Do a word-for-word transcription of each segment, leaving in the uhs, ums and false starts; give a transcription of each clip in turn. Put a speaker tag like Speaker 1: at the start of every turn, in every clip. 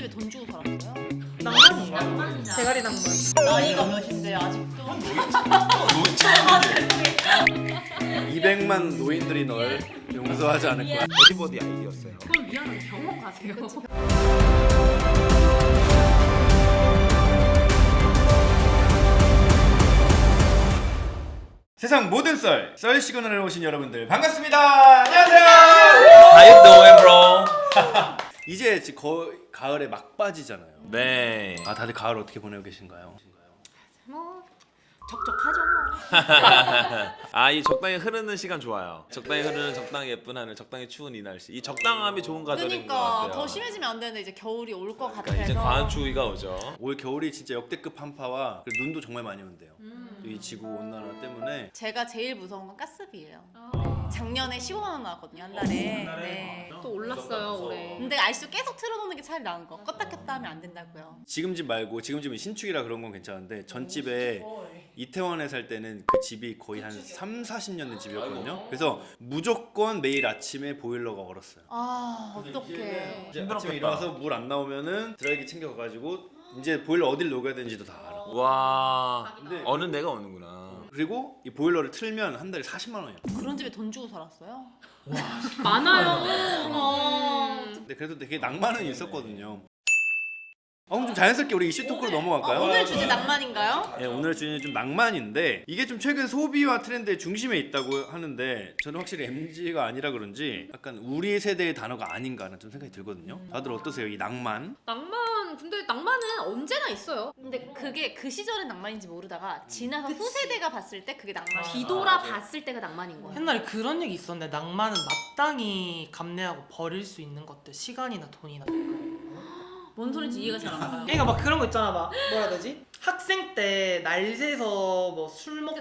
Speaker 1: 집에 돈 주고 살았어요?
Speaker 2: 낭만인가?
Speaker 1: 낭만이다.
Speaker 2: 대가리 낭만.
Speaker 1: 나이가 몇인데 아직도?
Speaker 3: 이백만 노인들이 널 용서하지 않을 거야.
Speaker 4: 어디버디 아이디였어요.
Speaker 1: 그럼 미안해 병원 가세요.
Speaker 3: 세상 모든 썰, 썰 시그널에 오신 여러분들 반갑습니다. 안녕하세요.
Speaker 4: How you doing, bro?
Speaker 3: 이제 지- 거의 가을에 막바지잖아요.
Speaker 4: 네.
Speaker 3: 아 다들 가을 어떻게 보내고 계신가요?
Speaker 1: 뭐 적적하죠 뭐.
Speaker 4: 아, 이 적당히 흐르는 시간 좋아요. 적당히 흐르는 적당히 예쁜 하늘, 적당히 추운 이 날씨. 이 적당함이 좋은 가을인 것
Speaker 1: 그러니까
Speaker 4: 같아요.
Speaker 1: 더 심해지면 안 되는데 이제 겨울이 올 것 같아서.
Speaker 4: 그러니까 이제 과한 추위가 오죠.
Speaker 3: 올 겨울이 진짜 역대급 한파와 그리고 눈도 정말 많이 온대요.
Speaker 1: 음.
Speaker 3: 이 지구 온난화 때문에.
Speaker 1: 제가 제일 무서운 건 가스비예요. 작년에 십오만 원 나왔거든요 한 달에. 네.
Speaker 5: 또 올랐어요 올해.
Speaker 1: 근데 아직도 계속 틀어놓는 게 차라리 나은 거. 껐다 켰다 하면 안 된다고요.
Speaker 3: 지금 집 말고 지금 집은 신축이라 그런 건 괜찮은데 전 집에 이태원에 살 때는 그 집이 거의 한 삼, 사십 년 된 집이었거든요. 그래서 무조건 매일 아침에 보일러가 얼었어요.
Speaker 1: 아 어떡해.
Speaker 3: 이제 아침에 일어나서 물 안 나오면은 드라이기 챙겨가가지고 이제 보일러 어딜 녹여야 되는지도 다 알아.
Speaker 4: 와,
Speaker 3: 근데
Speaker 4: 어느 내가 오는구나.
Speaker 3: 그리고 이 보일러를 틀면 한 달에 사십만 원이야.
Speaker 1: 그런 집에 돈 주고 살았어요?
Speaker 5: 많아요.
Speaker 1: 어.
Speaker 3: 근데 그래도 되게 낭만은 있었거든요. 어, 그럼 좀 자연스럽게 우리 이슈 토크로 넘어갈까요?
Speaker 1: 오늘 주제 낭만인가요?
Speaker 3: 네, 오늘 주제는 좀 낭만인데 이게 좀 최근 소비와 트렌드의 중심에 있다고 하는데 저는 확실히 엠지가 아니라 그런지 약간 우리 세대의 단어가 아닌가라는 좀 생각이 들거든요. 다들 어떠세요? 이 낭만?
Speaker 5: 낭만 근데 낭만은 언제나 있어요.
Speaker 1: 근데 그게 그 시절의 낭만인지 모르다가 지나서 후세대가 봤을 때 그게 낭만이야.
Speaker 5: 뒤돌아 봤을 때가 낭만인 거야.
Speaker 2: 옛날에 그런 얘기 있었는데 낭만은 마땅히 감내하고 버릴 수 있는 것들, 시간이나 돈이나.
Speaker 1: 뭔 소리인지 이해가 잘 안 가요.
Speaker 2: 그러니까 막 그런 거 있잖아, 막 뭐라 해야 되지? 학생 때 날 새서 뭐 술 먹고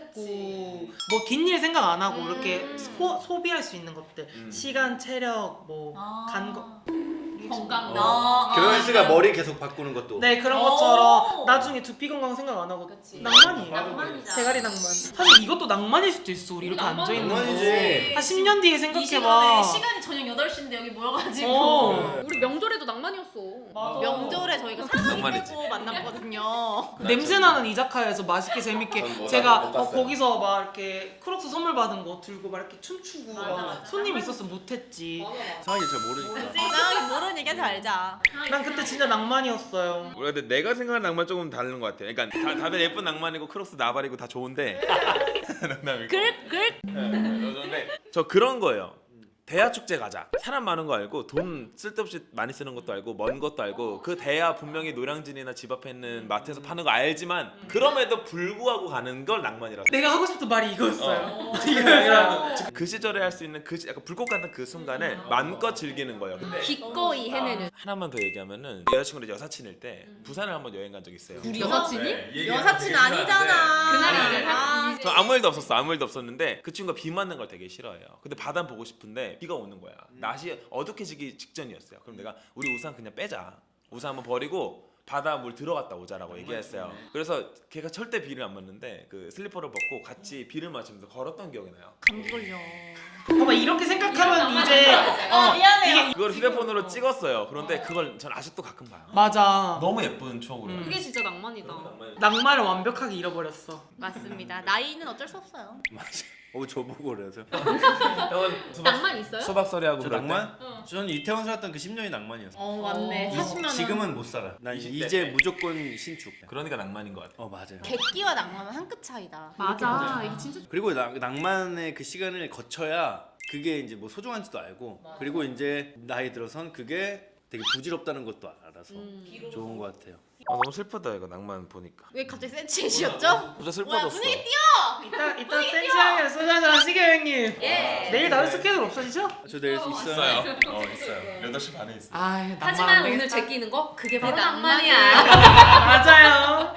Speaker 2: 뭐 긴 일 생각 안 하고
Speaker 1: 음.
Speaker 2: 이렇게 소, 소비할 수 있는 것들,
Speaker 4: 음.
Speaker 2: 시간, 체력, 뭐
Speaker 1: 아.
Speaker 2: 간 거.
Speaker 5: 건강.
Speaker 1: 아,
Speaker 3: 교현 씨가
Speaker 1: 아,
Speaker 3: 머리 계속 바꾸는 것도.
Speaker 2: 네, 그런
Speaker 1: 오.
Speaker 2: 것처럼 나중에 두피 건강 생각 안 하고
Speaker 5: 그치.
Speaker 2: 낭만이에요.
Speaker 1: 낭만이다.
Speaker 2: 대가리 낭만. 사실 이것도 낭만일 수도 있어. 우리 이렇게
Speaker 5: 낭만.
Speaker 2: 앉아 있는 거.
Speaker 3: 낭만이지.
Speaker 2: 한 십 년 뒤에
Speaker 1: 이
Speaker 2: 생각해
Speaker 1: 시간에
Speaker 2: 봐.
Speaker 1: 시간이 저녁 여덟 시인데 여기 모여가지고
Speaker 2: 어.
Speaker 5: 우리 명절에도 낭만이었어.
Speaker 2: 맞아.
Speaker 1: 명절에 저희가 사랑이
Speaker 4: 낭만이지.
Speaker 1: 빼고 만났거든요.
Speaker 2: 냄새 나는 이자카야에서 맛있게 재밌게
Speaker 4: 전 뭐
Speaker 2: 제가
Speaker 4: 못
Speaker 2: 어,
Speaker 4: 갔어요.
Speaker 2: 거기서 막 이렇게 크록스 선물 받은 거 들고 막 이렇게 춤추고
Speaker 1: 맞아,
Speaker 2: 막
Speaker 1: 맞아.
Speaker 2: 손님 있었으면 못했지.
Speaker 3: 상황이 잘 모르니까.
Speaker 1: 이상하게 모르는 얘기하지 말자.
Speaker 2: 난 그때 진짜 낭만이었어요.
Speaker 4: 우리가 근데 내가 생각하는 낭만 조금 다른 것 같아요. 그러니까 다, 다들 예쁜 낭만이고 크록스 나발이고 다 좋은데 농담이고.
Speaker 1: 글 글.
Speaker 4: 근데 저 그런 거예요. 대야 축제 가자. 사람 많은 거 알고 돈 쓸데없이 많이 쓰는 것도 알고 먼 것도 알고 그 대야 분명히 노량진이나 집 앞에 있는 마트에서 파는 거 알지만 그럼에도 불구하고 가는 걸 낭만이라고.
Speaker 2: 내가 하고 싶던 말이 이거였어요.
Speaker 4: 어.
Speaker 2: 이거였어요.
Speaker 4: 그 시절에 할 수 있는 그 시- 약간 불꽃 같은 그 순간을 마음껏 즐기는 거예요. 근데
Speaker 5: 기꺼이 해내는.
Speaker 4: 하나만 더 얘기하면은 여자친구랑 여사친일 때 부산을 한번 여행 간 적 있어요.
Speaker 5: 우리 여사친이?
Speaker 4: 네,
Speaker 1: 여사친 아니잖아.
Speaker 5: 그날이 이제
Speaker 1: 아,
Speaker 4: 저 아무 일도 없었어. 아무 일도 없었는데 그 친구가 비 맞는 걸 되게 싫어해요. 근데 바다 보고 싶은데 비가 오는 거야. 낮이 어둑해지기 직전이었어요. 그럼 내가 우리 우산 그냥 빼자. 우산 한번 버리고 바다 물 들어갔다 오자라고 얘기했어요. 그래서 걔가 절대 비를 안 맞는데 그 슬리퍼를 벗고 같이 비를 맞으면서 걸었던 기억이 나요.
Speaker 1: 감기 걸려.
Speaker 2: 봐봐, 이렇게 생각하면 이제 어
Speaker 1: 미안해요.
Speaker 4: 그걸 휴대폰으로 찍었어요. 그런데 그걸 전 아직도 가끔 봐요.
Speaker 2: 맞아.
Speaker 4: 너무 예쁜 추억으로.
Speaker 2: 음.
Speaker 5: 그게 진짜 낭만이다.
Speaker 2: 낭만을 완벽하게 잃어버렸어.
Speaker 1: 맞습니다. 나이는 어쩔 수 없어요.
Speaker 3: 맞아. 어 저보고 그래서.
Speaker 4: 형은 수박,
Speaker 5: 낭만 있어요?
Speaker 4: 수박서리하고
Speaker 3: 저
Speaker 4: 그럴 때?
Speaker 3: 낭만? 저는 이태원 살았던 그 십 년이 낭만이었어.
Speaker 1: 어 맞네.
Speaker 5: 어.
Speaker 1: 사십만 원.
Speaker 3: 지금은 못 살아. 난
Speaker 4: 이십 대.
Speaker 3: 이제 무조건 신축.
Speaker 4: 그러니까 낭만인 것 같아.
Speaker 3: 어 맞아요.
Speaker 1: 객기와 낭만은 한 끗 차이다.
Speaker 5: 맞아. 이게 진짜
Speaker 3: 그리고 나, 낭만의 그 시간을 거쳐야 그게 이제 뭐 소중한지도 알고 그리고 이제 나이 들어선 그게 되게 부질없다는 것도 알아서 좋은 것 같아요.
Speaker 4: 아, 너무 슬프다 이거 낭만 보니까.
Speaker 1: 왜 갑자기 센치해지셨죠?
Speaker 4: 진짜 슬퍼졌어.
Speaker 1: 뭐야 분위기 띄워.
Speaker 2: 이따 이따 센치하게 소주 한잔 하시게 형님.
Speaker 1: 예.
Speaker 2: 내일 다른 스케줄 없어지죠?
Speaker 3: 저 내일 있어요.
Speaker 4: 있어요. 어 있어요. 여덟 시 반에 있어요.
Speaker 2: 아, 낭만 안
Speaker 5: 하지만
Speaker 2: 되겠다.
Speaker 5: 오늘 제끼는 거 그게 바로
Speaker 1: 그게
Speaker 5: 낭만이야.
Speaker 2: 맞아요.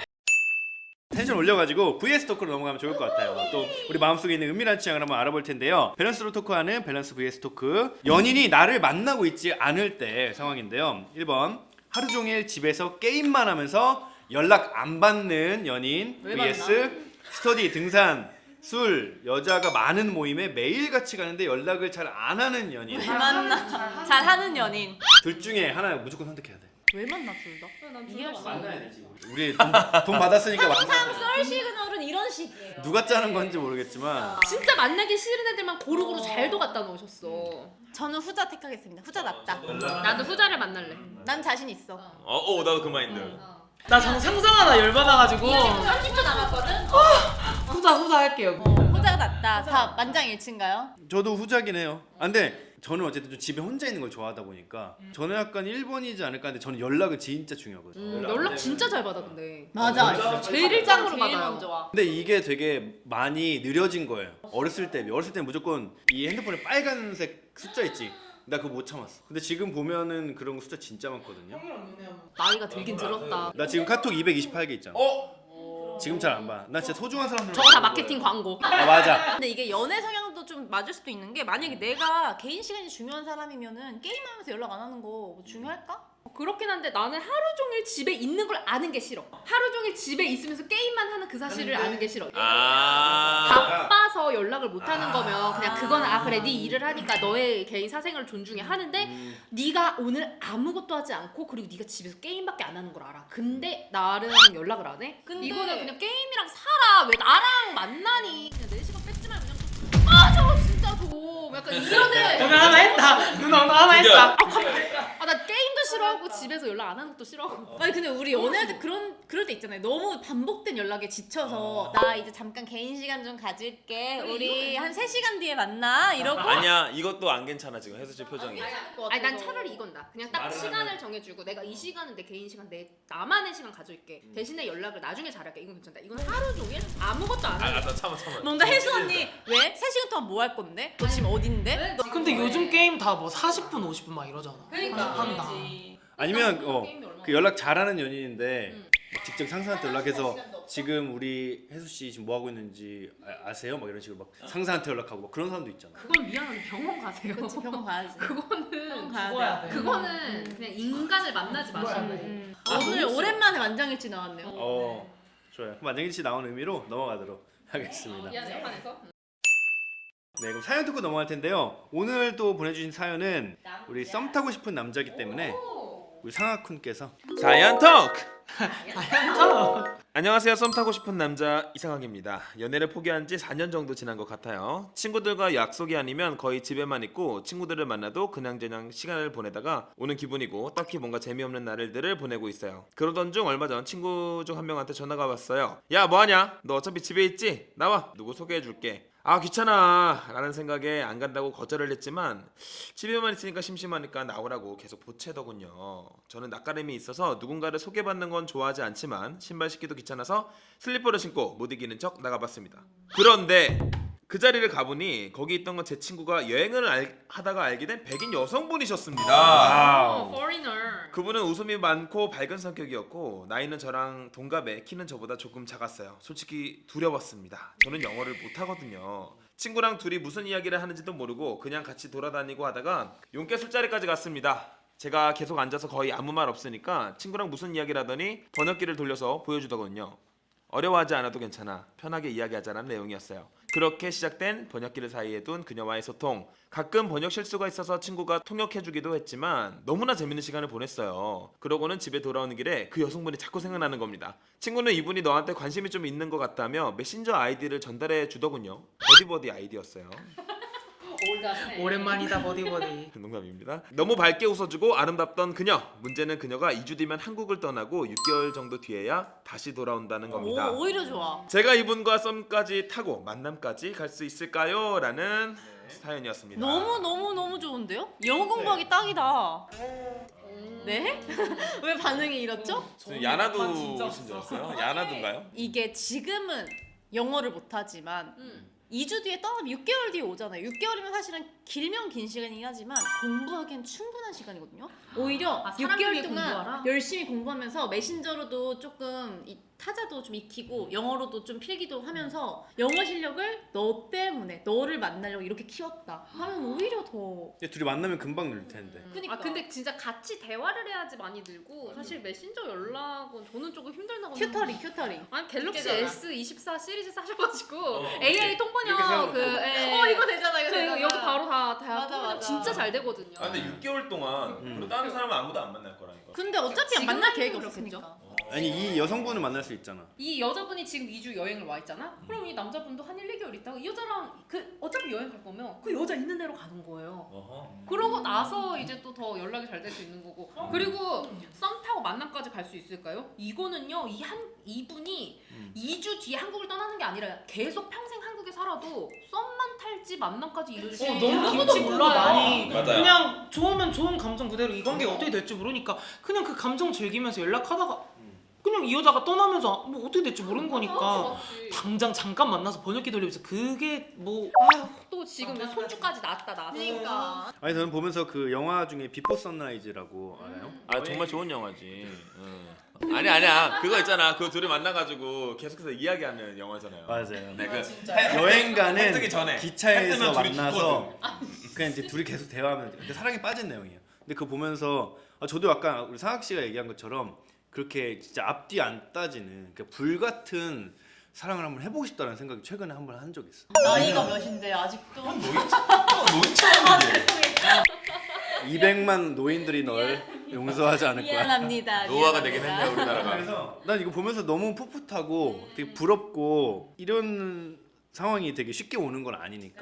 Speaker 3: 텐션 올려가지고 브이에스 토크로 넘어가면 좋을 것 같아요. 또 우리 마음속에 있는 은밀한 취향을 한번 알아볼 텐데요. 밸런스로 토크하는 밸런스 브이에스 토크. 연인이 나를 만나고 있지 않을 때 상황인데요. 일 번 하루 종일 집에서 게임만 하면서 연락 안 받는 연인
Speaker 1: 왜
Speaker 3: vs 스터디, 등산, 술, 여자가 많은 모임에 매일 같이 가는데 연락을 잘 안 하는 연인.
Speaker 1: 왜 만나? 잘 하는 연인.
Speaker 3: 둘 중에 하나 무조건 선택해야 돼.
Speaker 1: 왜 만나 둘 다? 이해할 수 없어.
Speaker 3: 우리 돈, 돈 받았으니까
Speaker 1: 항상
Speaker 3: 만나.
Speaker 1: 썰 시그널은 이런 식이에요.
Speaker 3: 누가 짜는 건지 모르겠지만
Speaker 5: 진짜 만나기 싫은 애들만 고루고루 잘도 갖다 놓으셨어.
Speaker 1: 저는 후자 택하겠습니다. 후자 낫다.
Speaker 5: 나도 후자를 만날래.
Speaker 1: 난 자신 있어.
Speaker 4: 어, 어 나도 그 마인드.
Speaker 2: 나 정 상상하다 열받아가지고
Speaker 1: 삼십 초 남았거든.
Speaker 2: 후자 후자 할게요.
Speaker 1: 어, 후자가 낫다. 다 만장일치인가요?
Speaker 3: 저도 후자긴 해요. 아, 근데 저는 어쨌든 좀 집에 혼자 있는 걸 좋아하다 보니까 저는 약간 일 번이지 않을까 하는데 저는 연락을 진짜 중요하거든요.
Speaker 5: 음, 연락 진짜 잘 받아 근데.
Speaker 1: 맞아.
Speaker 5: 제일 일장으로
Speaker 1: 제일
Speaker 5: 받아요.
Speaker 1: 먼저 와.
Speaker 3: 근데 이게 되게 많이 느려진 거예요. 어렸을 때, 어렸을 때는 무조건 이 핸드폰에 빨간색 숫자 있지. 나 그거 못 참았어. 근데 지금 보면은 그런 거 숫자 진짜 많거든요.
Speaker 5: 나이가 들긴 들었다.
Speaker 3: 나 지금 카톡 이백이십팔 개 있잖아.
Speaker 4: 어?
Speaker 3: 지금 잘 안 봐. 나 진짜 소중한 사람들.
Speaker 5: 저거 다 마케팅 광고.
Speaker 3: 아 맞아.
Speaker 1: 근데 이게 연애 성향도 좀 맞을 수도 있는 게 만약에 내가 개인 시간이 중요한 사람이면은 게임하면서 연락 안 하는 거뭐 중요할까?
Speaker 5: 그렇긴 한데 나는 하루 종일 집에 있는 걸 아는 게 싫어. 하루 종일 집에 있으면서 게임만 하는 그 사실을 아는 게 싫어.
Speaker 4: 아.
Speaker 5: 바빠서 연락을 못 하는 거면 그냥 그건 아 그래 네 일을 하니까 너의 개인 사생활을 존중해 하는데
Speaker 3: 음.
Speaker 5: 네가 오늘 아무것도 하지 않고 그리고 네가 집에서 게임밖에 안 하는 걸 알아. 근데 나랑 연락을 안 해?
Speaker 1: 근데-
Speaker 5: 이거는 그냥 게임이랑 살아. 왜 나랑 만나니? 그냥 내 시간 뺏지 말고 그냥 아 저거 진짜 저거 약간 이러네.
Speaker 2: 누나 하나 했다. 누나 오늘 하나 했다.
Speaker 5: 아 나 게임도 싫어하고 집에서 연락 안 하는 것도 싫어하고.
Speaker 1: 아니 근데 우리 연애할 때 그런 그럴 때 있잖아요. 너무 반복된 연락에 지쳐서 나 이제 잠깐 개인 시간 좀 가질게. 우리 한 세 시간 뒤에 만나 이러고.
Speaker 4: 아니야 이것도 안 괜찮아 지금 혜수 씨 표정이.
Speaker 5: 아니 난 차라리 이건 나. 그냥 딱 시간을 정해주고 내가 이 시간은 내 개인 시간 내 나만의 시간 가질게. 대신에 연락을 나중에 잘할게. 이건 괜찮다. 이건 하루 종일 아무것도 안 하고.
Speaker 4: 아나 참아 참아.
Speaker 1: 뭔가 혜수 언니 왜? 세 시간 동안 뭐 할 건데? 너 지금 어딘데?
Speaker 2: 근데 요즘 게임 다 뭐 사십 분 오십 분 막 이러잖아.
Speaker 5: 그러니까.
Speaker 2: 한다.
Speaker 3: 아니면 어,
Speaker 5: 게임이 얼마나
Speaker 3: 그 연락 잘하는 연인인데
Speaker 5: 응.
Speaker 3: 막 직접 상사한테 연락해서 지금 우리 혜수 씨 지금 뭐 하고 있는지 아, 아세요? 막 이런 식으로 막 상사한테 연락하고 막 그런 사람도 있잖아.
Speaker 5: 그건 미안한데 병원 가세요.
Speaker 1: 그치 병원 가야지.
Speaker 5: 그거는
Speaker 1: 병원 가야
Speaker 2: 죽어야
Speaker 1: 돼.
Speaker 2: 돼.
Speaker 5: 그거는 그냥 인간을 만나지 마시고.
Speaker 1: 음. 오늘 오랜만에 만장일치 나왔네요.
Speaker 3: 어 좋아요. 그럼 만정일 씨 나온 의미로 넘어가도록 하겠습니다.
Speaker 5: 미안 재판에서.
Speaker 3: 네 그럼 사연 듣고 넘어갈 텐데요. 오늘 또 보내주신 사연은 우리 썸 타고 싶은 남자기 때문에 우리 상하쿤께서
Speaker 4: 사연 토크.
Speaker 2: 괜찮아.
Speaker 4: 안녕하세요. 썸 타고 싶은 남자 이상학입니다. 연애를 포기한 지 사 년 정도 지난 것 같아요. 친구들과 약속이 아니면 거의 집에만 있고 친구들을 만나도 그냥저냥 시간을 보내다가 오는 기분이고 딱히 뭔가 재미없는 날들을 보내고 있어요. 그러던 중 얼마 전 친구 중 한 명한테 전화가 왔어요. 야 뭐하냐? 너 어차피 집에 있지? 나와. 누구 소개해줄게. 아 귀찮아 라는 생각에 안 간다고 거절을 했지만 집에만 있으니까 심심하니까 나오라고 계속 보채더군요. 저는 낯가림이 있어서 누군가를 소개받는 건 좋아하지 않지만 신발 신기도 귀찮아서 슬리퍼를 신고 못 이기는 척 나가봤습니다. 그런데 그 자리를 가보니 거기 있던 건 제 친구가 여행을 알, 하다가 알게 된 백인 여성분이셨습니다.
Speaker 5: 어, foreigner.
Speaker 4: 그분은 웃음이 많고 밝은 성격이었고 나이는 저랑 동갑에 키는 저보다 조금 작았어요. 솔직히 두려웠습니다. 저는 영어를 못하거든요. 친구랑 둘이 무슨 이야기를 하는지도 모르고 그냥 같이 돌아다니고 하다가 용케 술자리까지 갔습니다. 제가 계속 앉아서 거의 아무 말 없으니까 친구랑 무슨 이야기를 하더니 번역기를 돌려서 보여주더군요. 어려워하지 않아도 괜찮아. 편하게 이야기하자는 내용이었어요. 그렇게 시작된 번역기를 사이에 둔 그녀와의 소통. 가끔 번역 실수가 있어서 친구가 통역해주기도 했지만 너무나 재밌는 시간을 보냈어요. 그러고는 집에 돌아오는 길에 그 여성분이 자꾸 생각나는 겁니다. 친구는 이분이 너한테 관심이 좀 있는 것 같다며 메신저 아이디를 전달해 주더군요. 버디버디 아이디였어요.
Speaker 2: 오랜만이다 버디버디.
Speaker 4: 농담입니다. 너무 밝게 웃어주고 아름답던 그녀. 문제는 그녀가 이 주 뒤면 한국을 떠나고 육 개월 정도 뒤에야 다시 돌아온다는 겁니다.
Speaker 1: 오, 오히려 좋아.
Speaker 4: 제가 이분과 썸까지 타고 만남까지 갈 수 있을까요? 라는 사연이었습니다.
Speaker 1: 너무 너무 너무 좋은데요? 영어 공부하기 딱이다. 네? 왜 반응이 이렇죠?
Speaker 4: 저는 야나두신 줄 알았어요. 야나두인가요?
Speaker 1: 이게 지금은 영어를 못하지만
Speaker 5: 음.
Speaker 1: 이 주 뒤에 떠나면 육 개월 뒤에 오잖아요. 육 개월이면 사실은 길면 긴 시간이긴 하지만 공부하기엔 충분한 시간이거든요. 오히려
Speaker 5: 아,
Speaker 1: 육
Speaker 5: 사람
Speaker 1: 개월
Speaker 5: 위해
Speaker 1: 동안
Speaker 5: 공부하라?
Speaker 1: 열심히 공부하면서 메신저로도 조금 이 타자도 좀 익히고 영어로도 좀 필기도 하면서 영어 실력을 너 때문에 너를 만나려고 이렇게 키웠다 하면 오히려 더
Speaker 3: 근데 둘이 만나면 금방 늘 텐데.
Speaker 1: 그니까.
Speaker 5: 아 근데 진짜 같이 대화를 해야지 많이 늘고 사실 메신저 연락은 저는 조금 힘들다고
Speaker 1: 큐터리 큐터리
Speaker 5: 아니 갤럭시
Speaker 1: 되잖아.
Speaker 5: 에스 이십사 시리즈 사셔가지고
Speaker 4: 어.
Speaker 5: 에이아이
Speaker 3: 이렇게
Speaker 5: 통번역
Speaker 3: 세워놓고.
Speaker 5: 그 예.
Speaker 1: 어 이거 되잖아 이거
Speaker 5: 저 이거
Speaker 1: 되잖아.
Speaker 5: 여기 바로 다 대화
Speaker 1: 맞아,
Speaker 5: 통번역
Speaker 1: 맞아.
Speaker 5: 진짜 잘 되거든요.
Speaker 4: 아 근데 육 개월 동안
Speaker 3: 음.
Speaker 4: 그리고 다른 사람은 아무도 안 만날 거라니까.
Speaker 1: 근데 어차피
Speaker 5: 지금
Speaker 1: 만날
Speaker 5: 하는
Speaker 1: 계획이
Speaker 5: 건
Speaker 1: 없었으니까.
Speaker 3: 아니 이 여성분을 만날 수 있잖아.
Speaker 5: 이 여자분이 지금 이 주 여행을 와 있잖아. 그럼 이 남자분도 한 일, 이 개월 있다가 이 여자랑 그 어차피 여행 갈 거면 그 여자 있는 데로 가는 거예요.
Speaker 4: 어허.
Speaker 5: 그러고 나서 이제 또 더 연락이 잘 될 수 있는 거고. 그리고 썸 타고 만남까지 갈 수 있을까요? 이거는요. 이 한 이분이
Speaker 3: 음.
Speaker 5: 이 주 뒤에 한국을 떠나는 게 아니라 계속 평생 한국에 살아도 썸만 탈지 만남까지 이룰지
Speaker 2: 어, 너무
Speaker 5: 아무도
Speaker 2: 김치국도
Speaker 5: 몰라요.
Speaker 2: 많이
Speaker 4: 맞아요.
Speaker 2: 그냥 좋으면 좋은 감정 그대로 이 관계가 어떻게 될지 모르니까 그냥 그 감정 즐기면서 연락하다가 그냥 이 여자가 떠나면서 뭐 어떻게 될지 모르는 거니까
Speaker 5: 맞지.
Speaker 2: 당장 잠깐 만나서 번역기 돌리면서 그게 뭐
Speaker 5: 아휴 또 지금 손주까지 낳았다 낳았어.
Speaker 1: 그러니까.
Speaker 3: 아니 저는 보면서 그 영화 중에 비포 선라이즈라고 알아요?
Speaker 4: 아 정말 좋은 영화지. 응. 아니 아니야 그거 있잖아 그 둘이 만나가지고 계속해서 이야기하는 영화잖아요.
Speaker 3: 맞아요.
Speaker 4: 네, 그
Speaker 3: 여행 가는
Speaker 4: 뜨기 전에. 해
Speaker 3: 기차에서
Speaker 4: 뜨면 둘이
Speaker 3: 만나서 그냥 이제 둘이 계속 대화하면 근데 사랑에 빠진 내용이에요. 근데 그거 보면서 아, 저도 아까 우리 상학 씨가 얘기한 것처럼 그렇게 진짜 앞뒤 안 따지는 그러니까 불같은 사랑을 한번 해보고 싶다는 생각이 최근에 한번 한 적이 있어.
Speaker 1: 나이가 몇인데 아직도.
Speaker 3: 이백만 노인들이 널 용서하지 않을 거야.
Speaker 1: 미안합니다.
Speaker 4: 노화가
Speaker 1: 미안합니다.
Speaker 4: 되긴 했네요 우리나라가.
Speaker 3: 그래서 난 이거 보면서 너무 풋풋하고 되게 부럽고 이런 상황이 되게 쉽게 오는 건 아니니까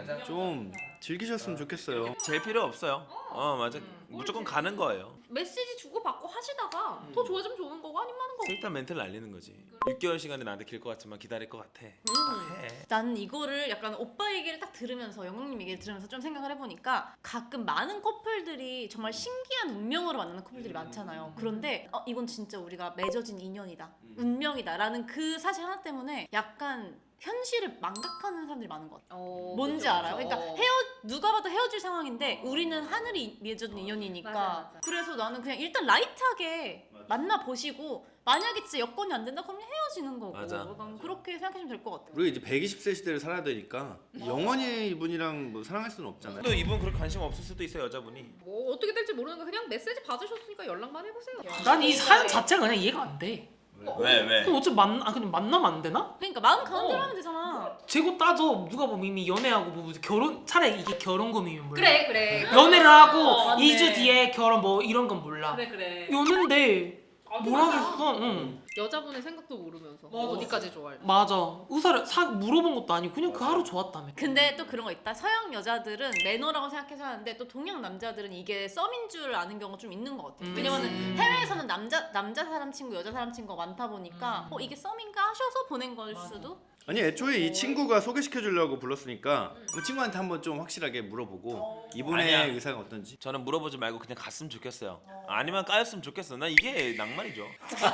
Speaker 3: 좀 즐기셨으면 좋겠어요.
Speaker 4: 제일 필요 없어요. 어 맞아. 무조건 가는 거예요.
Speaker 5: 메시지 주고 받고 하시다가 더 좋아지면 좋은 거고 아니면 하는 거고.
Speaker 4: 일단 멘트를 날리는 거지. 육 개월 시간이 나한테 길 것 같지만 기다릴 것 같아.
Speaker 5: 음.
Speaker 4: 해.
Speaker 1: 나는 이거를 약간 오빠 얘기를 딱 들으면서 영웅님 얘기를 들으면서 좀 생각을 해보니까 가끔 많은 커플들이 정말 신기한 운명으로 만나는 커플들이 많잖아요. 그런데 어, 이건 진짜 우리가 맺어진 인연이다, 운명이다라는 그 사실 하나 때문에 약간 현실을 망각하는 사람들이 많은 것 같아요.
Speaker 5: 어,
Speaker 1: 뭔지
Speaker 5: 그죠,
Speaker 1: 알아요?
Speaker 5: 그죠.
Speaker 1: 그러니까 헤어 누가 봐도 헤어질 상황인데 우리는 하늘이 맺어진 인연이니까.
Speaker 5: 맞아, 맞아.
Speaker 1: 그래서 나는 그냥 일단 라이트하게 만나 보시고 만약에 진짜 여건이 안 된다 그러면 헤어지는 거고.
Speaker 4: 맞아.
Speaker 1: 약간 그렇게 생각하시면 될 것 같아요.
Speaker 3: 우리가 이제 백이십 세 시대를 살아야 되니까 영원히 이분이랑 뭐 사랑할 수는 없잖아요.
Speaker 4: 또 이분 그렇게 관심 없을 수도 있어요 여자분이.
Speaker 5: 뭐 어떻게 될지 모르는 거 그냥 메시지 받으셨으니까 연락만 해보세요.
Speaker 2: 난 이 사연 자체가 그냥 이해가 안 돼.
Speaker 4: 왜 왜?
Speaker 2: 그럼 어차피 만나 아 그냥 만나면 안 되나?
Speaker 1: 그러니까 마음 가는
Speaker 2: 어.
Speaker 1: 대로 하면 되잖아.
Speaker 2: 재고 따져 누가 보면 이미 연애하고 뭐 무슨 결혼 차라리 이게 결혼금이면 몰라.
Speaker 5: 그래 그래.
Speaker 2: 연애를 하고
Speaker 1: 어, 맞네.
Speaker 2: 이 주 뒤에 결혼 뭐 이런 건 몰라.
Speaker 1: 그래 그래.
Speaker 2: 연애인데
Speaker 5: 아,
Speaker 2: 뭘
Speaker 5: 맞아.
Speaker 2: 하겠어? 응.
Speaker 5: 여자분의 생각도 모르면서
Speaker 2: 맞아.
Speaker 5: 어디까지 좋아할지.
Speaker 2: 맞아. 의사를 사 물어본 것도 아니고 그냥 그 하루 좋았다며.
Speaker 1: 근데 또 그런 거 있다. 서양 여자들은 매너라고 생각해서 하는데 또 동양 남자들은 이게 썸인 줄 아는 경우가 좀 있는 것 같아요.
Speaker 2: 음.
Speaker 1: 왜냐면은
Speaker 2: 음.
Speaker 1: 해외에서는 남자 남자 사람 친구, 여자 사람 친구가 많다 보니까
Speaker 2: 음.
Speaker 1: 어 이게 썸인가 하셔서 보낸 걸 수도.
Speaker 3: 아니 애초에 이 친구가 소개시켜 주려고 불렀으니까 한번 친구한테 한번 좀 확실하게 물어보고 이분의
Speaker 4: 아니야.
Speaker 3: 의사가 어떤지.
Speaker 4: 저는 물어보지 말고 그냥 갔으면 좋겠어요. 아니면 까였으면 좋겠어. 난 이게 낭만이죠.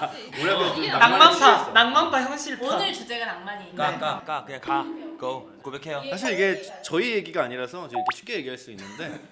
Speaker 3: 뭐라고
Speaker 5: 이게
Speaker 2: 낭만파, 낭만파 현실파.
Speaker 1: 오늘 주제가 낭만이니까.
Speaker 4: 까 까 까 그냥 가. 고 고백해요.
Speaker 3: 사실 이게 저희 얘기가 아니라서 저 이렇게 쉽게 얘기할 수 있는데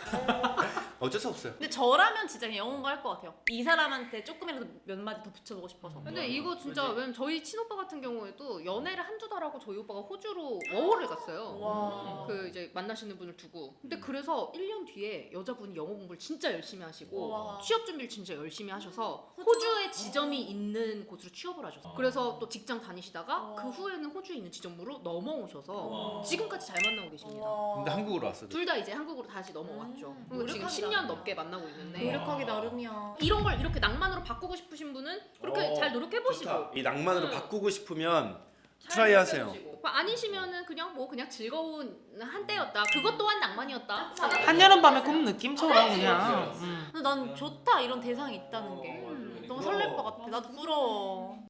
Speaker 3: 어쩔 수 없어요.
Speaker 1: 근데 저라면 진짜 그냥 영웅 할 것 같아요. 이 사람한테 조금이라도 몇 마디 더 붙여보고 싶어서.
Speaker 5: 근데 이거 진짜 왜냐면 저희 친오빠 같은 경우에도 연애를 한두 달 하고 저희 오빠가 호주로 워홀을 갔어요.
Speaker 1: 와.
Speaker 5: 그 이제 만나시는 분을 두고. 근데 그래서 일 년 뒤에 여자분이 영어 공부를 진짜 열심히 하시고
Speaker 1: 와.
Speaker 5: 취업 준비를 진짜 열심히 하셔서 호주에 지점이 있는 곳으로 취업을 하셨어요. 그래서 또 직장 다니시다가
Speaker 1: 와.
Speaker 5: 그 후에는 호주에 있는 지점으로 넘어오셔서 지금까지 잘 만나고 계십니다.
Speaker 3: 근데 한국으로 왔어요.
Speaker 5: 둘 다 이제 한국으로 다시 넘어왔죠.
Speaker 1: 음,
Speaker 5: 그리고 지금
Speaker 1: 노력하기
Speaker 5: 십 년
Speaker 1: 나름이야.
Speaker 5: 넘게 만나고 있는데
Speaker 1: 노력하기 나름이야.
Speaker 5: 이런 걸 이렇게 낭만으로 바꾸고 싶으신 분은 그렇게
Speaker 3: 어,
Speaker 5: 잘 노력해 보시고
Speaker 3: 이 낭만으로
Speaker 5: 음.
Speaker 3: 바꾸고 싶으면
Speaker 5: 잘
Speaker 3: 트라이 하세요.
Speaker 5: 노력해보시고. 아니시면은 그냥 뭐 그냥 즐거운 한때였다. 그것 또한 낭만이었다.
Speaker 2: 한여름 밤의 꿈 느낌처럼
Speaker 5: 그치,
Speaker 2: 그냥.
Speaker 5: 그치,
Speaker 2: 음.
Speaker 1: 근데 난 좋다 이런 대상이 있다는 게. 너무 설렐 것 같아. 나도 부러워.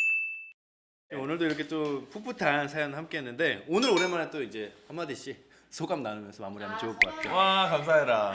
Speaker 3: 오늘도 이렇게 또 풋풋한 사연 함께했는데 오늘 오랜만에 또 이제 한마디씩 소감 나누면서 마무리하면 좋을 것 같아요.
Speaker 4: 와 감사해라.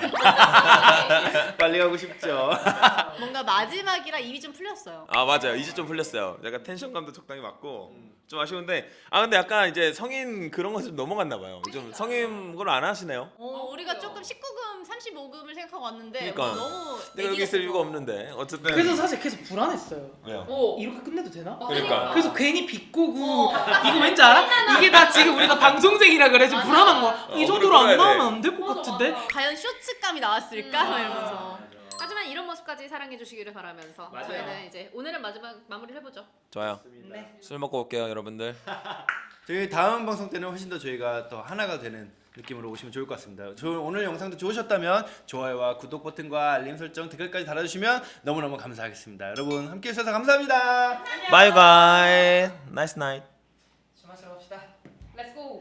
Speaker 3: 빨리 가고 싶죠.
Speaker 1: 뭔가 마지막이라 입이 좀 풀렸어요.
Speaker 4: 아 맞아요. 이제 좀 풀렸어요. 약간 텐션감도 적당히 맞고 좀 아쉬운데 아 근데 약간 이제 성인 그런 거 좀 넘어갔나 봐요. 좀 성인 걸 안 하시네요.
Speaker 1: 어, 우리가 조금 십구 금, 삼십오 금을 생각하고 왔는데
Speaker 4: 그러니까.
Speaker 1: 뭐 너무
Speaker 4: 내가 여기 있을 이유가 없는데 어쨌든
Speaker 2: 그래서 사실 계속 불안했어요.
Speaker 4: 왜요?
Speaker 5: 오.
Speaker 2: 이렇게 끝내도 되나?
Speaker 4: 그러니까.
Speaker 2: 그래서 괜히 비꼬고 이거 왠지 알아? 이게 다 지금 우리가 방송쟁이라 그래 지금 불안한 거야. 이
Speaker 4: 어,
Speaker 2: 정도로 안
Speaker 4: 그래, 그래.
Speaker 2: 나오면 안 될 것 같은데?
Speaker 1: 과연 쇼츠감이 나왔을까?
Speaker 5: 음.
Speaker 1: 막 이러면서.
Speaker 5: 하지만 이런 모습까지 사랑해 주시기를 바라면서
Speaker 3: 맞아요.
Speaker 5: 저희는 이제 오늘은 마지막 마무리를 해보죠.
Speaker 4: 좋아요. 술 먹고 올게요 여러분들.
Speaker 3: 저희 다음 방송 때는 훨씬 더 저희가 더 하나가 되는 느낌으로 오시면 좋을 것 같습니다. 저 오늘 영상도 좋으셨다면 좋아요와 구독 버튼과 알림 설정, 댓글까지 달아주시면 너무너무 감사하겠습니다. 여러분 함께 해주셔서 감사합니다.
Speaker 4: Bye guys. Nice night.
Speaker 2: 주마시러 갑시다.
Speaker 5: Let's go.